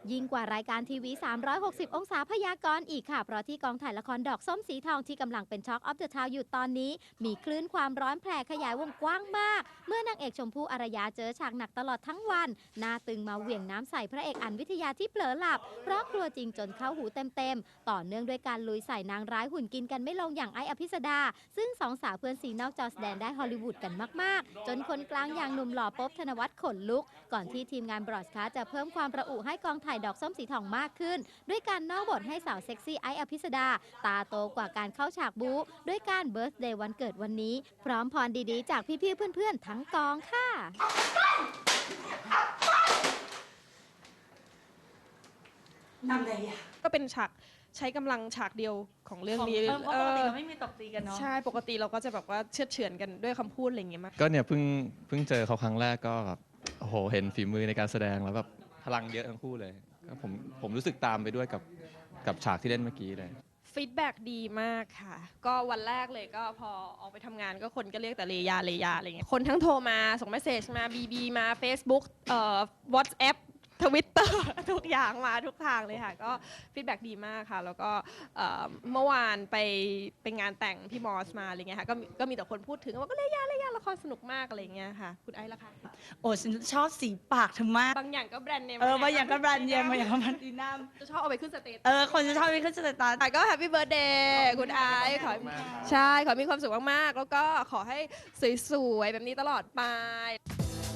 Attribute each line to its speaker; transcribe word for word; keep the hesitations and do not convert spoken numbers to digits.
Speaker 1: ยิ่งกว่ารายการทีวี สามร้อยหกสิบ องศาพยากรณ์อีกค่ะ เพราะที่กองถ่ายละครดอกส้มสีทองที่กำลังเป็น Talk of the Town อยู่ตอนนี้ มีคลื่นความร้อนแผ่ขยายวงกว้างมาก เมื่อนางเอกชมพู่อารยาเจอฉากหนักตลอดทั้งวัน หน้าตึงมาเหวี่ยงน้ำใส่พระเอกอั๋นวิทยาที่เผลอหลับ เพราะกลัวจริงจนเข้าหูเต็มๆ ต่อเนื่องด้วยการลุยใส่นางร้ายหุ่นกินกันไม่ลงอย่างไอ้อภิสดา ซึ่งสองสาวเพื่อนซีนอกจอแสดงได้ฮอลลีวูดกันมากๆ จนคนกลางอย่างหนุ่มหล่อป๊อบธนวัฒน์ขนลุก ก่อนที่ทีมงานบรอดคาสต์จะเพิ่มความระอุให้กองถ่ายดอกส้มสีทองมากขึ้น ด้วยการนอกบทให้สาวเซ็กซี่ไอ้อภิสดา ตาโตกว่าการเข้าฉากบู๊ด้วยการเบิร์ธเดย์วันเกิดวันนี้ พร้อมพรดีๆจากพี่ๆเพื่อนๆทั้งกองค่ะ
Speaker 2: ทำไรอ่ะ
Speaker 3: ก็เป็นฉากใช้กำลังฉากเดียวของเรื่องนี้
Speaker 2: เพราะปกติเราไม่มีตบตีกันเนาะ
Speaker 3: ใช่ปกติเราก็จะแบบว่าเชือดเฉือนกันด้วยคำพูดอะไรอย่างเงี้ยมาก
Speaker 4: ก็เนี่ยเพิ่งเพิ่งเจอเขาครั้งแรกก็แบบโอ้โหเห็นฝีมือในการแสดงแล้วแบบพลังเยอะทั้งคู่เลยก็ผมผมรู้สึกตามไปด้วยกับกับฉากที่เล่นเมื่อกี้เลย
Speaker 3: ฟีดแบ็ดีมากค่ะก็วันแรกเลยก็พอออกไปทำงานก็คนก็เรียกแต่เลยาเลยาอะไรเงี้ยคนทั้งโทรมาส่งเมสเซจมาบีบีมา Facebook เอ่อ WhatsApp ทวิตเตอร์ทุกอย่างมาทุกทางเลยค่ะก็ฟีดแบ็ดีมากค่ะแล้วก็เมื่อวานไปเป็นงานแต่งพี่มอสมาอะไรเงี้ยค่ะก็ก็มีแต่คนพูดถึงว่าก็เลยาเลยาละครสนุกมากอะไรเงี้ยค่ะคุณไอซ์ล่ะคะ
Speaker 2: โอ้ฉันชอบสีปากเธอมาก
Speaker 3: บางอย่างก็แบรนด์เนม
Speaker 2: เออบางอย่างก็แบรนด์เนมบางอย่างก็แบรนด์ดีนัม
Speaker 3: จะชอบเอาไปขึ้นสเตตัส
Speaker 2: เออคนจะชอบไปขึ้นสเตตัส
Speaker 3: ก็แฮปปี้เบิร์ดเดย์คุณไอซ์ขอใช่ขอมีความสุขมากๆแล้วก็ขอให้สวยๆแบบนี้ตลอดไป